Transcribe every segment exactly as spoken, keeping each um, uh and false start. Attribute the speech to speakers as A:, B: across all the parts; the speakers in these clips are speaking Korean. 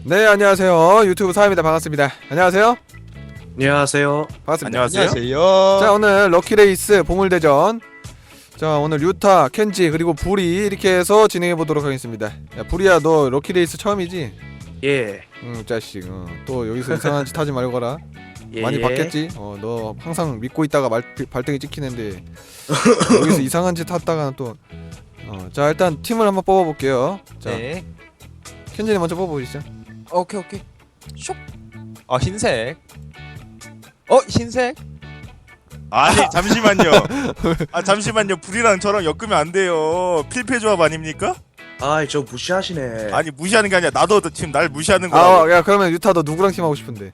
A: 네, 안녕하세요. 유튜브 사입니다. 반갑습니다. 안녕하세요.
B: 안녕하세요.
A: 반갑습니다.
C: 안녕하세요.
A: 자, 오늘 럭키레이스 보물대전. 자, 오늘 류타, 켄지 그리고 부리 이렇게 해서 진행해 보도록 하겠습니다. 야, 부리야, 너 럭키레이스 처음이지?
B: 예.
A: 응, 자식. 어. 또 여기서 이상한 짓 하지 말고 가라.
B: 예.
A: 많이 봤겠지? 어, 너 항상 믿고 있다가 말, 발등에 찍히는데 여기서 이상한 짓 하다가 또 어, 자, 일단 팀을 한번 뽑아 볼게요. 자,
C: 네.
A: 켄지님 먼저 뽑아 보시죠.
C: 오케이 오케이. 슉. 아 흰색. 어 흰색.
D: 아니 잠시만요. 아 잠시만요. 불이랑 저랑 엮으면 안 돼요. 필패 조합 아닙니까?
B: 아이 저 무시하시네.
D: 아니 무시하는 게 아니라 나도 지금 날 무시하는 거야.
A: 아, 야, 그러면 유타 너 누구랑 팀 하고 싶은데?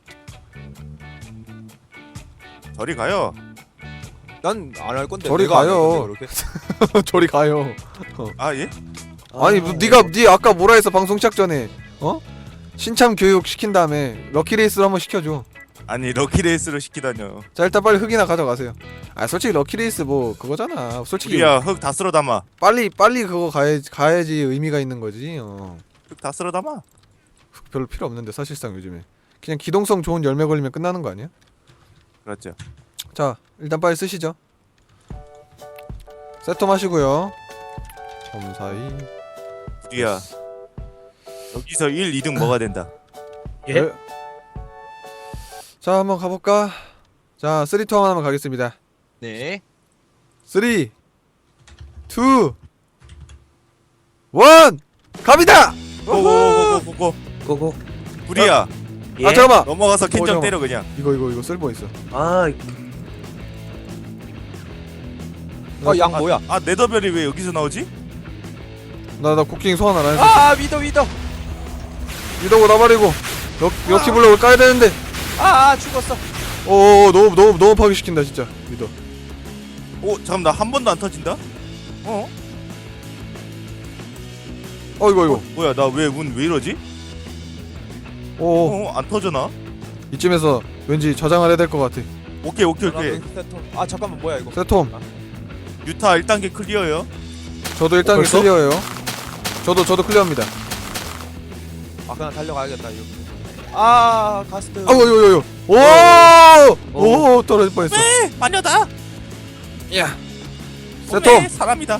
D: 저리 가요.
C: 난 안 할 건데.
A: 저리
C: 내가 안
A: 가요.
C: 할 건데, 그렇게.
A: 저리 가요.
D: 아 예?
A: 아니, 뭐, 네가 네 아까 뭐라 했어 방송 시작 전에? 어? 신참 교육 시킨 다음에 럭키레이스를 한번 시켜줘.
D: 아니 럭키레이스로 시키다뇨.
A: 자, 일단 빨리 흙이나 가져가세요. 아, 솔직히 럭키레이스 뭐 그거잖아. 솔직히
D: 불이야 흙 다 쓸어 담아.
A: 빨리 빨리 그거 가야지 가야지 의미가 있는 거지. 어.
D: 흙 다 쓸어 담아.
A: 흙 별로 필요 없는데 사실상 요즘에 그냥 기동성 좋은 열매 걸리면 끝나는 거 아니야?
D: 그렇죠.
A: 자, 일단 빨리 쓰시죠. 세톰 하시고요. 점사이.
D: 불이야 여기서 일, 이 등 뭐가 된다.
B: 예?
A: 네. 자, 한번 가볼까? 자, 쓰리 투 한번 가겠습니다.
C: 네.
A: 쓰리, 투, 원, 갑니다!
D: 고고고고고고.
B: 고고.
D: 불이야
B: 예?
A: 아, 잠깐만!
D: 넘어가서
A: 어,
D: 캔정
A: 잠깐만.
D: 때려 그냥.
A: 이거 이거 이거 쓸모 있어.
B: 아,
C: 어양 뭐야?
D: 아 네더별이 왜 여기서 나오지?
A: 나 나 쿠킹 소환 안 했어.
C: 아 위더 위더.
A: 이러고 나버리고 럭 럭키 블록을 까야 되는데.
C: 아, 아 죽었어.
A: 오, 너무 너무 너무 파괴시킨다 진짜. 믿어.
D: 오 잠깐 나 한 번도 안 터진다? 어?
A: 어, 이거 이거.
D: 뭐야 나 왜 운 왜 이러지?
A: 오,
D: 어? 안 터져나?
A: 이쯤에서 왠지 저장을 해야 될 것 같아.
D: 오케이 오케이 오케이.
C: 아 잠깐만 뭐야 이거?
A: 세톰.
D: 유타 일 단계 클리어요.
A: 저도 일 단계
B: 벌써?
A: 클리어예요. 저도 저도 클리어입니다.
C: 아 그냥 달려가야겠다 이거. 아 가스트.
A: 아우, 요, 요, 요. 오! 오, 떨어질 뻔했어.
D: 네 마녀다.
A: 야.
D: 네,
A: 세톰.
D: 사람이다.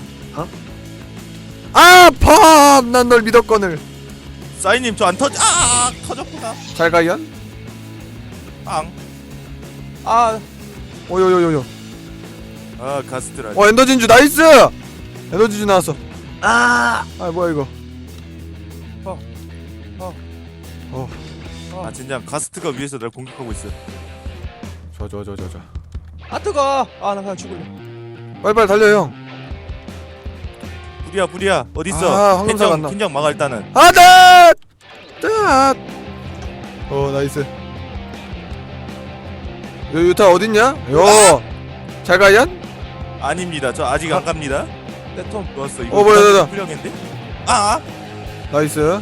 A: 아, 팝! 난 널 믿었거늘.
D: 사인님 저 안 터지. 아 터졌구나.
A: 잘 가연?
D: 빵.
C: 아
A: 오, 요, 요, 요, 요.
D: 아 가스트라.
A: 어, 엔더진주 나이스! 엔더진주 나왔어.
B: 아,
A: 아, 뭐야 이거.
C: 어. 어.
A: 어.
D: 아 진짜 가스트가 위에서 날 공격하고 있어.
A: 저, 저, 저, 저, 저.
C: 아 뜨거. 아나 그냥 죽을래.
A: 빨리빨리 달려, 형.
D: 불이야 불이야 어디 있어?
A: 아, 황금사가 안
D: 캔정
A: 나.
D: 캔정 막아 일단은.
A: 아, 네! 네! 어, 나이스. 요, 유타 어딨냐? 요! 잘 가연?
D: 아닙니다. 저 아직 안 갑니다.
C: 네톰.
D: 좋았어. 이거
A: 어, 뭐야, 뭐야, 뭐야.
D: 훌륭한데? 아, 아.
A: 나이스.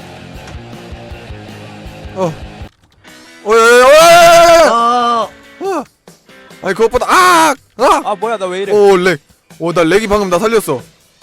A: 어. 어, 야, 야, 야, 야, 야, 야, 야!
B: 아,
A: 아! 아니, 그것보다, 아! 아!
C: 아 뭐야 나 왜 이래?
A: 오, 렉. 오, 나 렉이 방금 나 살렸어.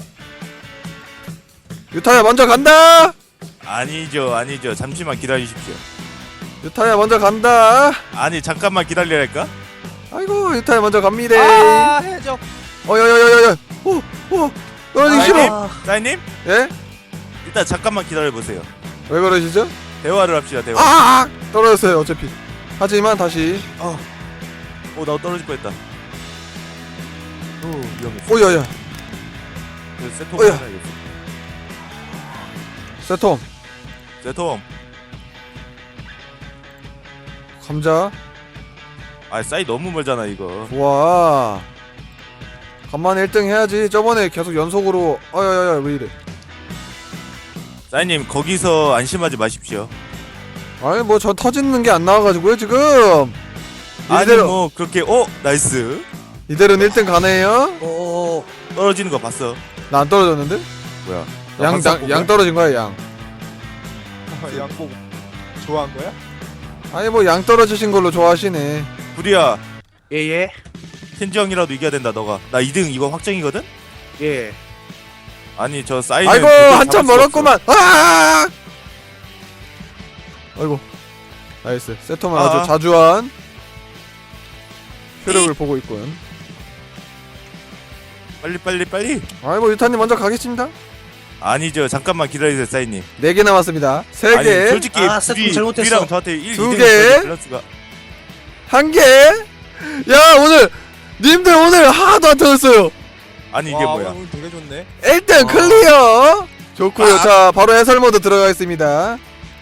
A: 유타야, 먼저 간다!
D: 아니죠 아니죠. 잠시만 기다리십시오.
A: 유타야, 먼저 간다!
D: 아니 잠깐만 기다리랄까?
A: 아이고, 유타야, 먼저 갑니다.
C: 아 해줘.
A: 어, 야, 야, 야, 야, 야. 오, 오. 떨어지기 싫어.
B: 아,
D: 사인님
A: 예?
D: 일단 잠깐만 기다려 보세요.
A: 왜 그러시죠?
D: 대화를 합시다 대화.
A: 아! 떨어졌어요, 어차피. 하지만 다시.
D: 오나 떨어질 뻔했다. 오 위험했어.
A: 오, 야, 야.
D: 그래서 세톰
A: 어야.
D: 해야겠어.
A: 세톰.
D: 세톰.
A: 감자.
D: 아 사이 너무 멀잖아 이거.
A: 좋아. 간만에 일 등 해야지. 저번에 계속 연속으로. 아야야야, 왜 이래.
D: 사인님 거기서 안심하지 마십시오.
A: 아니, 뭐 저 터지는 게 안 나와가지고요, 지금.
D: 아니
A: 이대로,
D: 뭐 그렇게 어 나이스
A: 이대로는 일 등 가네요?
B: 어,
D: 떨어지는 거 봤어.
A: 나 안 떨어졌는데?
D: 뭐야?
A: 양,
D: 항상
A: 양,
D: 보고야?
A: 양 떨어진 거야, 양.
C: 양복 좋아한 거야?
A: 아니, 뭐 양 떨어지신 걸로 좋아하시네.
D: 불이야.
B: 예, 예,
D: 켄지형이라도 이겨야 된다 너가. 나 이 등 이거 확정이거든?
B: 예.
D: 아니 저 사인은
A: 아이고,
D: 도저히
A: 한참
D: 잡을 수가 없어.
A: 멀었구만. 아! 아이고 나이스. 세톰은
D: 아.
A: 아주 자주한 효력을 보고 있군.
D: 빨리 빨리 빨리.
A: 아이고 유타님 먼저 가겠습니다.
D: 아니죠. 잠깐만 기다리세요, 사인님.
A: 네 개 남았습니다. 세
D: 아니
A: 개,
D: 솔직히
B: 아, 세톰
D: 불이
B: 잘못했어.
D: 불이랑 저한테 일,
A: 두
D: 이
A: 개.
D: 등 밸런스가
A: 한 개. 야 오늘 님들 오늘 하나도 안 터졌어요.
D: 아니 이게
C: 와,
D: 뭐야?
C: 오늘 되게 좋네.
A: 일 등
D: 어.
A: 클리어. 좋고요.
D: 아.
A: 자 바로 해설 모드 들어가겠습니다.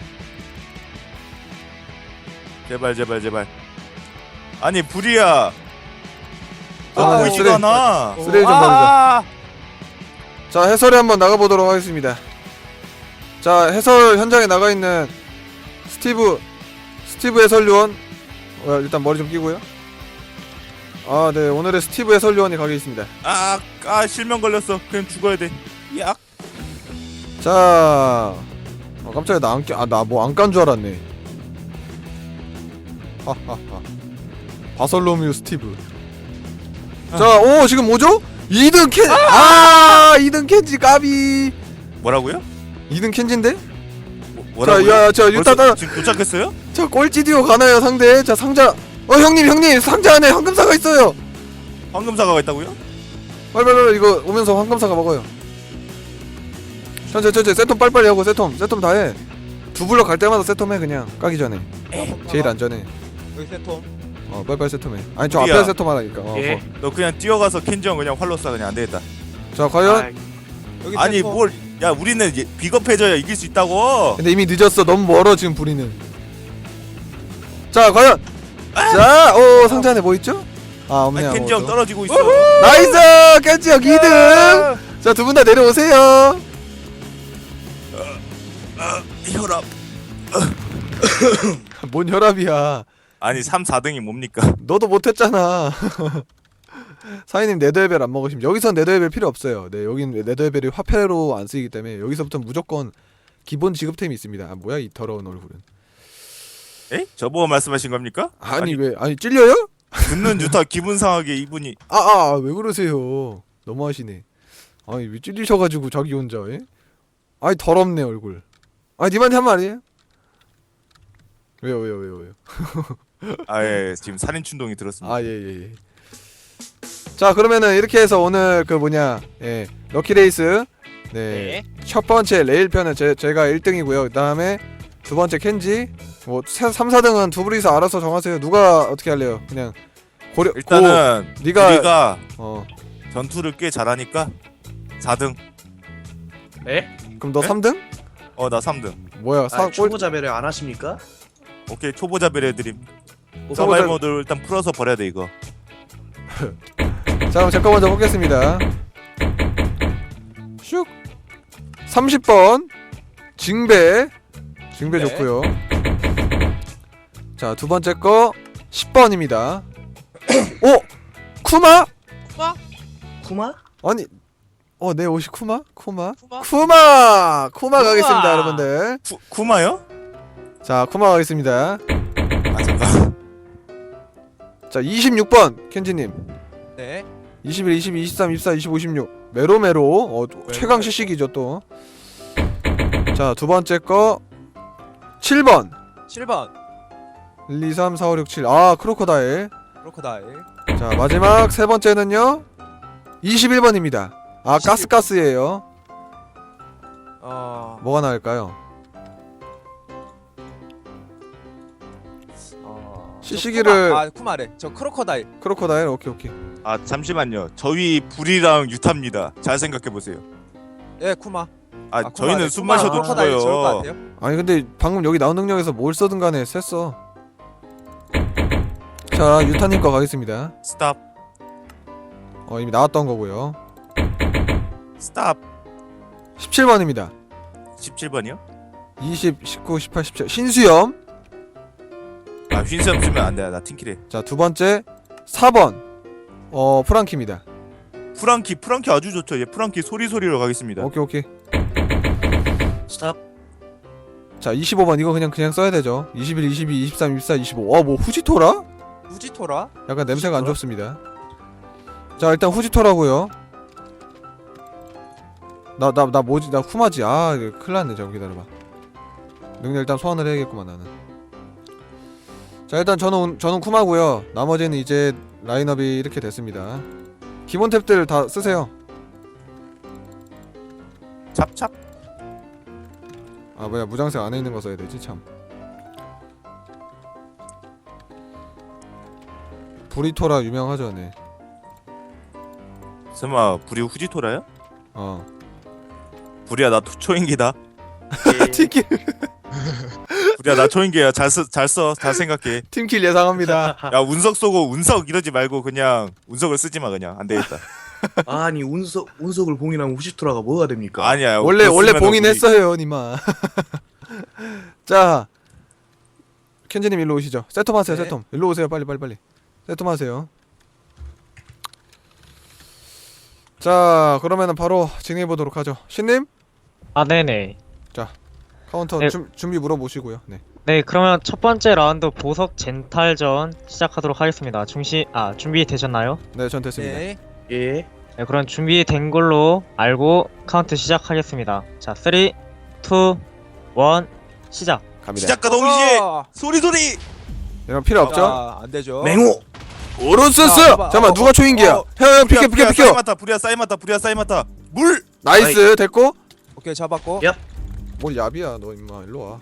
D: 제발 제발 제발. 아니 불이야. 너
A: 아,
D: 보이지가
A: 쓰레-
D: 않아.
A: 쓰레기 좀
C: 아,
A: 자 해설에 한번 나가보도록 하겠습니다. 자 해설 현장에 나가 있는 스티브 스티브 해설위원 어, 일단 머리 좀 끼고요. 아 네 오늘의 스티브 해설위원이 가겠습니다.
D: 아, 아 실명 걸렸어. 그냥 죽어야 돼. 야.
A: 자 어, 깜짝이야 나 안 끼.. 아나 뭐 안 깐 줄 알았네. 하하하 바설로뮤 스티브. 자 오 지금 뭐죠? 이 등 켄.. 아 이 등 켄지 까비.
D: 뭐라고요?
A: 이 등 켄지인데?
D: 뭐, 뭐라고요?
A: 자야자 유타
D: 벌써
A: 따라
D: 지금 도착했어요?
A: 자 꼴찌 듀오 가나요 상대? 자 상자 어 형님 형님 상자 안에 황금사가 있어요.
D: 황금사과가 있다고요?
A: 빨리빨리 이거 오면서 황금사가 먹어요. 천천히 천천히 세톰 빨리빨리 하고 세톰 세톰 다해. 두 블럭 갈 때마다 세톰 해 그냥 까기 전에 제일 안전해.
C: 여기 세톰.
A: 어 빨리빨리 세톰 해. 아니 저
D: 우리야.
A: 앞에 세톰 하라니까. 어,
B: 예.
A: 어.
D: 너 그냥 뛰어가서 켄지 형 그냥 활로 쏴. 그냥 안 되겠다.
A: 자 과연?
B: 아,
C: 여기
D: 아니
C: 세톰.
D: 뭘? 야 우리는 이제 비겁해져야 이길 수 있다고.
A: 근데 이미 늦었어. 너무 멀어 지금 부리는. 자 과연. 자오 상자 안에 뭐 있죠? 아 없네.
D: 아니, 켄지 형
A: 아무것도.
D: 떨어지고 있어.
A: 나이스 켄지 형 이 등. 자 두 분 다 내려오세요.
D: 혈압.
A: 뭔 혈압이야.
D: 아니 삼, 사 등이 뭡니까?
A: 너도 못했잖아. 사장님 네더웨벨 안 먹으시면 여기선 네더웨벨 필요 없어요. 네 여긴 네더웨벨이 화폐로 안 쓰이기 때문에 여기서부터 무조건 기본 지급템이 있습니다. 아 뭐야 이 더러운 얼굴은.
D: 에? 저보고 말씀하신 겁니까?
A: 아니, 왜 아니 찔려요?
D: 듣는 유타 기분 상하게 이분이.
A: 아아 왜 그러세요? 너무하시네. 아니 왜 찔리셔가지고 자기 혼자 예? 아니 더럽네 얼굴. 아니 님한테 한 말이에요? 왜요 왜요 왜요 왜요?
D: 아예 지금 살인 충동이 들었습니다.
A: 아 예 예 예. 자 그러면은 이렇게 해서 오늘 그 뭐냐 예 럭키레이스 네 첫 번째 레일 편은 제, 제가 일 등이고요. 그 다음에 두 번째 켄지 뭐 삼, 사 등은 두 분이서 알아서 정하세요. 누가 어떻게 할래요? 그냥 고려
D: 일단은
A: 고, 네가
D: 우리가
A: 어
D: 전투를 꽤 잘하니까 사 등.
B: 예?
A: 그럼 너
D: 네?
A: 삼 등?
D: 어 나 삼 등.
A: 뭐야 사
B: 아,
A: 꼴
B: 초보자 배려 안 하십니까?
D: 오케이 초보자 배려드림.
A: 초보자-
D: 서바이벌 모드 일단 풀어서 버려야 돼 이거.
A: 자 그럼 제거 먼저 보겠습니다. 슉 삼십 번 징배 징배
C: 네.
A: 좋고요. 자 두 번째 거 십 번입니다. 오! 쿠마?
B: 쿠마?
A: 아니 어 내 옷이 쿠마? 쿠마?
C: 쿠마?
A: 쿠마! 쿠마 가겠습니다
C: 쿠마!
A: 여러분들.
D: 쿠, 쿠마요?
A: 자 쿠마 가겠습니다.
D: 아 잠깐.
A: 자 이십육 번 켄지님
C: 네.
A: 이십일, 이십이, 이십삼, 이십사, 이십오, 이십육 메로메로 어 최강 시식이죠 또. 자 두 번째 거 칠 번
C: 칠 번.
A: 일, 이, 삼, 사, 오, 육, 칠 아 크로코다일.
C: 크로코다일.
A: 자 마지막 세 번째는요 이십일 번입니다. 아
C: 이십일 번.
A: 가스가스예요.
C: 어.
A: 뭐가 나을까요?
C: 어.
A: 시시기를-
C: 저 쿠마. 아 쿠마래. 저 크로코다일.
A: 크로코다일 오케이 오케이.
D: 아 잠시만요. 저희 불이랑 유타입니다. 잘 생각해 보세요.
C: 예 쿠마.
D: 아,
C: 아, 쿠마래.
D: 저희는 숨
C: 쿠마,
D: 마셔도
C: 크로코다일 좋을 것
D: 죽어요.
C: 같아요.
A: 아니 근데 방금 여기 나온 능력에서 뭘 써든 간에 셌어. 자 유타님 거 가겠습니다.
D: 스탑.
A: 어 이미 나왔던 거고요.
D: 스탑.
A: 십칠 번입니다.
D: 십칠 번이요?
A: 이십, 십구, 십팔, 십칠 신수염.
D: 아 휜스염 쓰면 안 돼. 나 팀킬해.
A: 자 두 번째 사 번 어 프랑키입니다.
D: 프랑키 프랑키 아주 좋죠. 얘 프랑키 소리 소리로 가겠습니다.
A: 오케이 오케이.
B: 스탑.
A: 자 이십오 번 이거 그냥 그냥 써야 되죠. 이십일, 이십이, 이십삼, 이십사, 이십오. 와 뭐 후지토라?
C: 우지토라.
A: 약간 냄새가 안
B: 후지토라?
A: 좋습니다. 자 일단 후지토라고요. 나 나 나 뭐지 나 쿠마지. 아 이거 큰일 났네. 잠깐 기다려봐. 능력 일단 소환을 해야겠구만 나는. 자 일단 저는 저는 쿠마고요. 나머지는 이제 라인업이 이렇게 됐습니다. 기본 탭들 다 쓰세요.
D: 찹찹.
A: 아 뭐야 무장색 안에 있는 거 써야 되지 참. 브리토라 유명하죠, 네.
D: 설마 불이 후지토라야?
A: 어.
D: 불이야 나 초인기다.
A: 팀킬
D: 불이야 나 초인기야. 잘 써, 잘 써, 잘 생각해.
A: 팀킬 예상합니다.
D: 야 운석 쏘고 운석 이러지 말고 그냥 운석을 쓰지 마 그냥 안 되겠다.
B: 아니 운석 운석을 봉인하면 후시토라가 뭐가 됩니까?
D: 아니야.
A: 원래
D: 그거
A: 원래
D: 쓰면은
A: 봉인했어요, 니마. 자, 켄지님 일로 오시죠. 세톰 하세요,
C: 네.
A: 세톰. 일로 오세요, 빨리 빨리 빨리. 세톰 하세요. 자, 그러면은 바로 진행해 보도록 하죠. 신님
E: 아, 네네.
A: 카운터
E: 네.
A: 준, 준비 물어보시고요. 네.
E: 네, 그러면 첫 번째 라운드 보석 젠탈전 시작하도록 하겠습니다. 중시, 아, 준비되셨나요?
A: 네, 전 됐습니다.
C: 네.
B: 예.
E: 네, 그럼 준비된 걸로 알고 카운트 시작하겠습니다. 자, 삼, 이, 일, 시작.
A: 갑니다.
D: 시작과 동시에
C: 어,
D: 소리 소리.
A: 이런 필요 없죠?
C: 자, 안 되죠.
B: 맹호.
A: 오른스스.
C: 자, 봐봐.
A: 잠깐만
C: 어,
A: 누가 초인기야?
D: 어,
A: 형, 형 비켜 비켜
D: 불이야
A: 비켜.
D: 사이마타 불이야 사이마타 불이야 사이마타 물.
A: 나이스 됐고.
C: 오케이, 잡았고.
B: 야.
A: 뭘 야비야 너 임마 일로 와.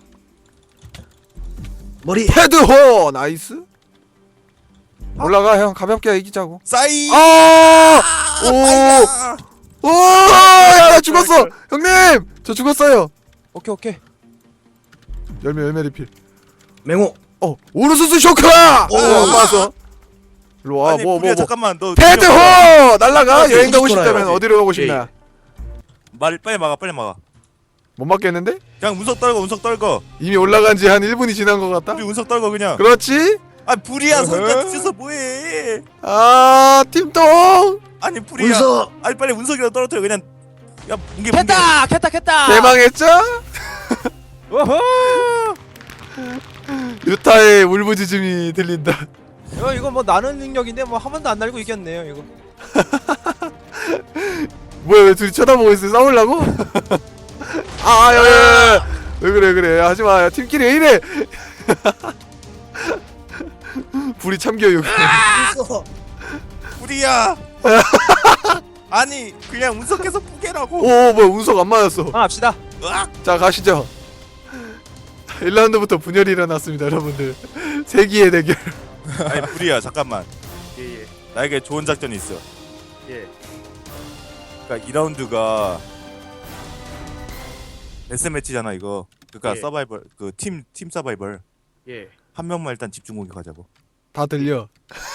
B: 머리.
A: 헤드호 나이스. 올라가 형 가볍게 이기자고.
D: 사이.
A: 아!
D: 오.
A: 오! 야, 나 죽었어! 형님! 저 죽었어요!
C: 오케이, 오케이.
A: 열매, 열매 리필.
B: 맹호.
A: 어! 오르수스 쇼크! 오! 안 맞았어. 일로 와,
D: 아니
A: 뭐, 뭐,
D: 불이야
A: 뭐.
D: 잠깐만 너.
A: 패드호! 날라가!
B: 어,
A: 여행 가고
B: 뒤집어놔요.
A: 싶다면 어디로 가고 싶나?
D: 말 빨리 막아 빨리 막아.
A: 못 맞겠는데?
D: 그냥 운석 떨고 운석 떨고.
A: 이미 올라간 지 한 일 분이 지난 것 같다?
D: 우리 운석 떨고 그냥.
A: 그렇지?
D: 아 불이야
C: 어허.
D: 소리가 뒤져서 뭐해.
A: 아, 팀동!
D: 아니 불이야.
B: 운석.
D: 아니 빨리 운석이라도 떨어뜨려 그냥. 야 뭉개 뭉개.
C: 캔다! 캔다, 캔다!
A: 대망했죠?
C: 오호!
A: 유타의 울부짖음이 들린다.
C: 어, 이거 뭐 나는 능력인데 뭐 한 번도 안 날고 이겼네요, 이거.
A: 뭐야, 왜 둘이 쳐다보고 있어? 싸우려고? 아, 야, 야, 야, 야. 왜 그래, 그래. 하지마. 야, 팀끼리 왜 이래? 불이 참교육.
B: 운석.
D: 불이야. 아니 그냥 운석해서 부개라고.
A: 오, 뭐야, 운석 안 맞았어.
C: 하나 합시다.
D: 으악!
A: 자, 가시죠. 일 라운드부터 분열이 일어났습니다, 여러분들. 세기의 대결.
D: 아니 불이야 잠깐만.
B: 예, 예.
D: 나에게 좋은 작전이 있어.
B: 예.
D: 그러니까 이 라운드가 데스매치잖아 이거. 그러니까
B: 예.
D: 서바이벌 그 팀 팀 서바이벌
B: 예.
D: 한 명만 일단 집중 공격하자고.
A: 다 들려.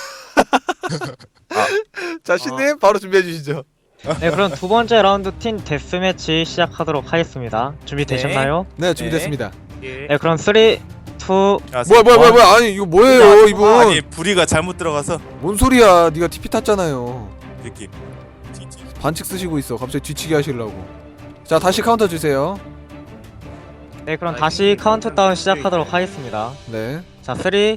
D: 아.
A: 자, 신님 바로 준비해 주시죠.
E: 네, 그럼 두 번째 라운드 팀 데스매치 시작하도록 하겠습니다. 준비되셨나요?
A: 네, 준비됐습니다.
B: 예.
E: 네, 그럼 삼, 이, 일,
D: 야,
A: 뭐야, 뭐야, 뭐야, 뭐야. 아니, 이거 뭐예요, 이분?
D: 아니 불이가 잘못 들어가서
A: 뭔 소리야? 네가 티피 탔잖아요.
D: 이렇게 튀지.
A: 반칙 쓰시고 있어. 갑자기 뒤치기 하시려고. 자, 다시 카운터 주세요.
E: 네, 그럼 다시 카운트다운 시작하도록 하겠습니다.
A: 네,
E: 자, 삼, 이, 일,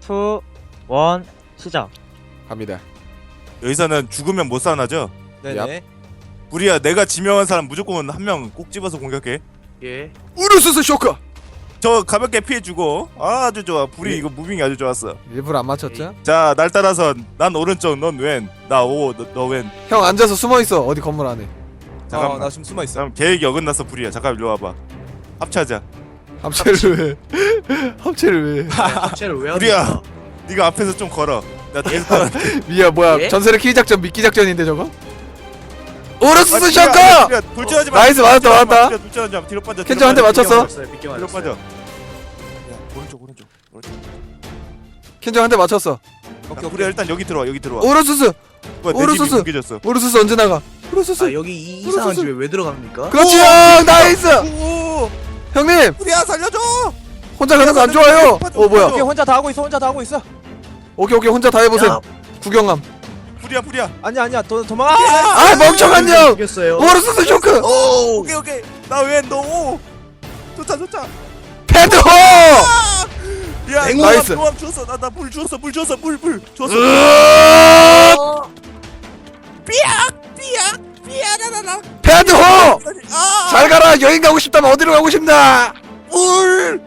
E: 시작.
A: 갑니다.
D: 여기서는 죽으면 못 살아나죠?
C: 네네.
D: 불이야 내가 지명한 사람 무조건 한 명 꼭 집어서 공격해.
B: 예.
A: 우르스스 쇼크!
D: 저 가볍게 피해주고. 아, 아주 좋아. 불이
B: 예.
D: 이거 무빙이 아주 좋았어.
A: 일부러 안 맞췄죠?
D: 자 날 따라서 난 오른쪽 넌 왼. 나 오 너 왼.
A: 형 앉아서 숨어 있어. 어디 건물 안에.
D: 잠깐만.
C: 어, 나 지금 숨어 있어.
D: 그럼 계획이 어긋났어 불이야. 잠깐 일로 와봐. 합체하자.
A: 합체를 왜? 합체를 왜?
B: 합체를 왜
D: 우리야.
B: 합니까?
D: 네가 앞에서 좀 걸어. 나 뒤에서 따라.
A: 미야 뭐야?
B: 예?
A: 전설의 키 작전 미끼 작전인데 저거? 우르스스
D: 아,
A: 쇼크!
D: 돌진하지 마.
A: 나이스, 맞았다,
D: 돌진하지 마.
A: 맞았다.
D: 뒤로, 돌진하지 마. 뒤로 빠져. 뒤로
A: 켄저 한대
D: 빠져.
A: 맞췄어?
B: 맞췄어요. 빗겨
D: 뒤로
B: 맞았어요.
D: 빠져. 야 오른쪽 오른쪽. 오른쪽.
A: 켄저 한 대 맞췄어.
C: 오케이,
D: 야,
C: 오케이.
D: 불이야 일단 여기 들어와. 여기 들어와.
A: 우르스스!
D: 뭐야, 내 집이
A: 오른쪽.
D: 뭉개졌어.
A: 우르스스 언제 나가? 우르스스!
B: 아 여기 이 이상한 집에 왜 들어갑니까?
A: 그렇지 형! 나이스!
D: 오!
A: 형님!
D: 불이야 살려줘.
A: 혼자 가는 거 안 좋아요! 어 뭐야?
C: 오케이, 혼자 다 하고 있어, 혼자 다 하고 있어.
A: 오케이 오케이 혼자 다 해보세요.
B: 야,
A: 구경함.
D: 불이야 불이야.
C: 아니야, 아니야, 도, 도망가!
A: 아 멍청한 형!
B: 이겼어요.
A: 우르스스 쇼크!
B: 오.
D: 오케이 오케이. 나왼너 오. 좋다 좋다.
A: 패드호!
D: 야
B: 맹호!
A: 나이스.
D: 노암 줬어. 나 나 물 줬어. 물 줬어. 물물 줬어.
A: 으아!
D: 삐약 삐약 삐약하라라.
A: 패드호!
D: 아!
A: 잘 가라. 여행 가고 싶다면 어디로 가고 싶나?
D: 오!
B: 물.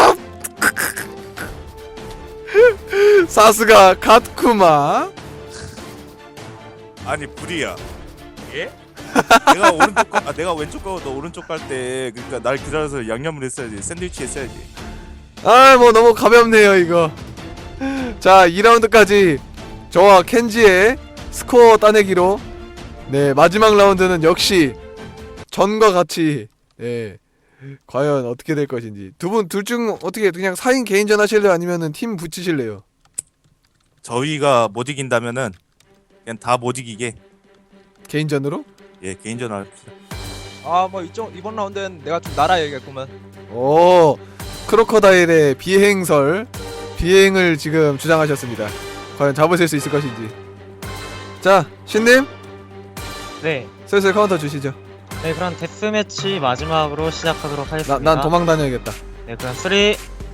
A: 사스가 갓쿠마.
D: 아니 불이야. 예? 내가 오른쪽 가, 아, 내가 왼쪽 가고 너 오른쪽 갈 때 그러니까 날 기다려서 양념을 했어야지. 샌드위치 했어야지.
A: 아, 뭐 너무 가볍네요 이거. 자, 이 라운드까지 저와 켄지의 스코어 따내기로 네, 마지막 라운드는 역시 전과 같이 예, 과연 어떻게 될 것인지. 두 분 둘 중 어떻게 그냥 사 인 개인전 하실래요? 아니면은 팀 붙이실래요?
D: 저희가 못 이긴다면은 그냥 다 못 이기게
A: 개인전으로?
D: 예 개인전 합시다.
C: 아뭐 이쪽 이번 라운드는 내가 좀 날아야겠구만.
A: 오, 크로커다일의 비행설 비행을 지금 주장하셨습니다. 과연 잡으실 수 있을 것인지. 자, 신님
E: 네.
A: 슬슬 카운터 주시죠.
E: 네, 그럼 데스매치 마지막으로 시작하도록
A: 나,
E: 하겠습니다.
A: 난 도망 다녀야겠다.
E: 네, 그럼 삼, 이, 일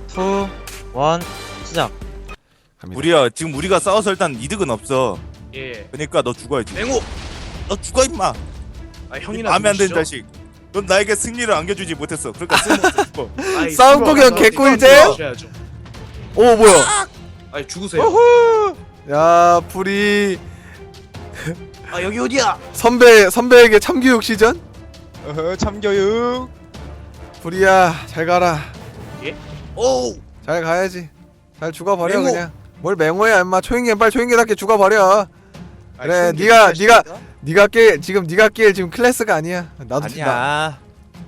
E: 시작.
A: 갑니다.
D: 우리야 지금 우리가 싸워서 일단 이득은 없어.
B: 예.
D: 그러니까 너 죽어야지.
B: 맹호.
D: 너 죽어 임마.
B: 아 형이나
D: 마음에 안 드는
B: 누구시죠?
D: 자식. 넌 나에게 승리를 안겨주지 못했어. 그러니까 쓸모없어 죽어.
B: 아이,
A: 싸움
B: 죽어.
A: 구경
B: 싸움
A: 개꿀잼?
B: 구경하셔야죠.
A: 오, 뭐야?
B: 아이 죽으세요.
A: 야, 불이
B: 아 여기 어디야?
A: 선배 선배에게 참교육 시전?
C: 어허 참교육.
A: 불이야, 잘 가라.
B: 오.
A: 잘 가야지. 잘 죽어버려
B: 맹호.
A: 그냥. 뭘 맹호야, 임마. 초인계 빨리 초인계답게 죽어버려. 그래,
B: 아,
A: 네가
B: 형님,
A: 네가 네가 낄 지금 네가 낄 지금 클래스가 아니야. 나도 나.
C: 아니야.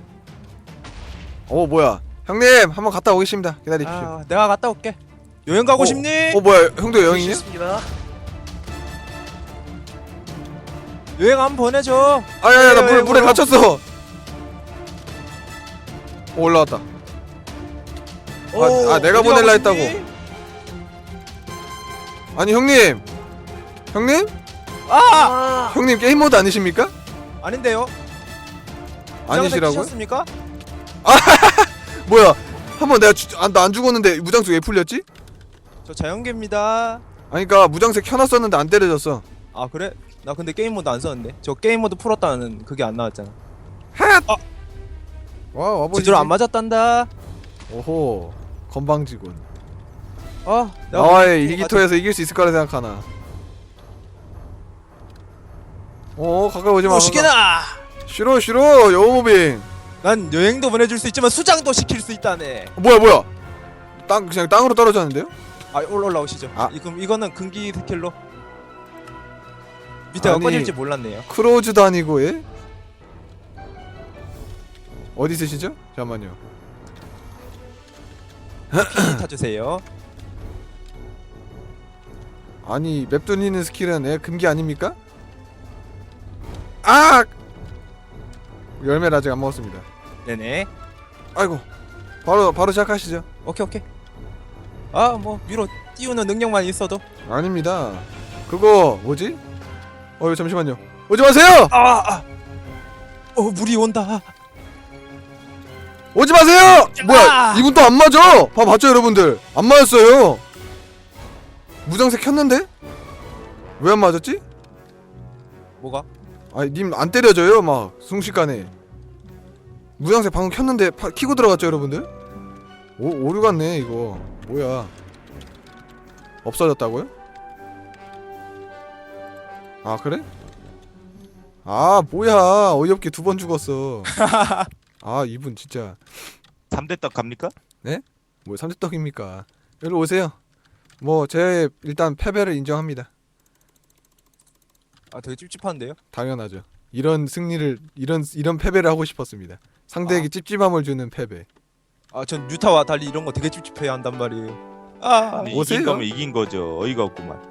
A: 오, 뭐야? 형님, 한번 갔다 오겠습니다. 기다리십시오.
C: 아 내가 갔다 올게. 여행 가고
A: 어,
C: 싶니?
A: 어, 뭐야? 형도 여행이냐?
B: 좋습니다.
C: 여행 한번 보내줘.
A: 아야야, 나 물,
C: 여행
A: 물에
C: 오러.
A: 갇혔어. 오, 올라왔다.
B: 오.
A: 아, 아, 내가
C: 어디
A: 보낼라
C: 가고 싶니?
A: 했다고. 아니, 형님. 형님?
C: 아
B: 아.
A: 형님 게임 모드 아니십니까?
C: 아닌데요?
A: 아니시라고요?
C: 셨습니까?
A: 뭐야? 한번 내가 주, 아, 나 안 죽었는데 무장수 왜 풀렸지?
C: 저 자연계입니다.
A: 아니, 그니까 무장색 켜놨었는데 안 때려졌어.
C: 아 그래? 나 근데 게임 모드 안 썼는데. 저 게임 모드 풀었다는 그게 안 나왔잖아.
A: 와, 와보지.
C: 제대로 안 맞았단다.
A: 오호, 건방지군.
C: 어. 내가
A: 나와의
C: 오늘
A: 일기토에서 이길 수 있을 거라 생각하나? 오, 가까이 오지 마.
C: 또 시키나.
A: 싫어, 싫어, 여우모빙.
C: 난 여행도 보내줄 수 있지만 수장도 시킬 수 있다네.
A: 어, 뭐야, 뭐야? 땅 그냥 땅으로 떨어졌는데요?
C: 아 올라 올라오시죠.
A: 아.
C: 이, 그럼 이거는 금기 스킬로 밑에가
A: 아니.
C: 꺼질지 몰랐네요.
A: 크로즈도 아니고 예? 어디 있으시죠? 잠깐만요.
C: 피 타주세요.
A: 아니, 맵 돌리는 스킬은 예, 금기 아닙니까? 아! 열매를 아직 안 먹었습니다.
C: 네네.
A: 아이고, 바로 바로 시작하시죠.
C: 오케이 오케이. 아 뭐 위로 띄우는 능력만 있어도.
A: 아닙니다. 그거 뭐지? 어, 잠시만요. 오지 마세요!
C: 아, 아. 어 물이 온다.
A: 오지 마세요! 뭐야?
C: 아!
A: 이분 또 안 맞아! 봐 봤죠, 여러분들? 안 맞았어요. 무장색 켰는데? 왜 안 맞았지?
C: 뭐가?
A: 아니, 님 안 때려져요, 막 순식간에. 무장색 방금 켰는데 파, 키고 들어갔죠, 여러분들? 오, 오류 같네 이거. 뭐야? 없어졌다고요? 아, 그래? 아, 뭐야? 어이없게 두 번 죽었어. 아, 이분 진짜
D: 삼대떡 갑니까?
A: 뭐 삼대떡입니까? 여기 오세요. 뭐 제 일단 패배를 인정합니다.
C: 아 되게 찝찝한데요?
A: 당연하죠. 이런 승리를 이런 이런 패배를 하고 싶었습니다. 상대에게
C: 아.
A: 찝찝함을 주는 패배.
C: 아 전 유타와 달리 이런 거 되게 찝찝해야 한단 말이에요. 아
D: 아니,
A: 오세요.
D: 이긴 거면 이긴 거죠. 어이가 없구만.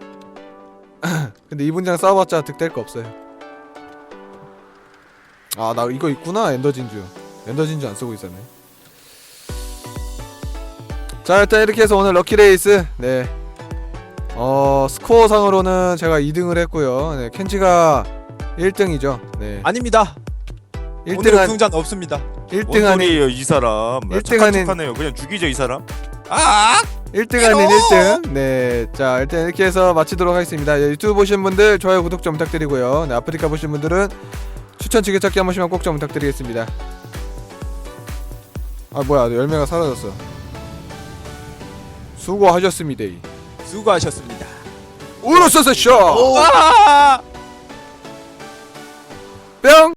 A: 근데 이분장 싸워봤자 득될 거 없어요. 아, 나 이거 있구나. 엔더진주. 엔더진주 안 쓰고 있었네. 자, 일단 이렇게 해서 오늘 럭키레이스 네 어 스코어 상으로는 제가 이 등을 했고요. 네, 켄지가 일 등이죠. 네,
C: 아닙니다.
A: 일 등
C: 오늘은
A: 한
C: 등잔 없습니다.
A: 일
D: 뭔
A: 등 아닌
D: 소리예요 이 사람.
A: 일 등
D: 착한
A: 아닌-
D: 척하네요. 그냥 죽이죠 이 사람.
C: 아
A: 일 등 아닌 일 등. 네, 자 일단 이렇게 해서 마치도록 하겠습니다. 예, 유튜브 보신 분들 좋아요, 구독 좀 부탁드리고요. 네, 아프리카 보신 분들은 추천 지게찾기 한 번씩만 꼭 좀 부탁드리겠습니다. 아 뭐야 열매가 사라졌어. 수고하셨습니다.
C: 수고하셨습니다.
A: 우르소스 쇼.
B: 오.
C: 아!
A: 뿅.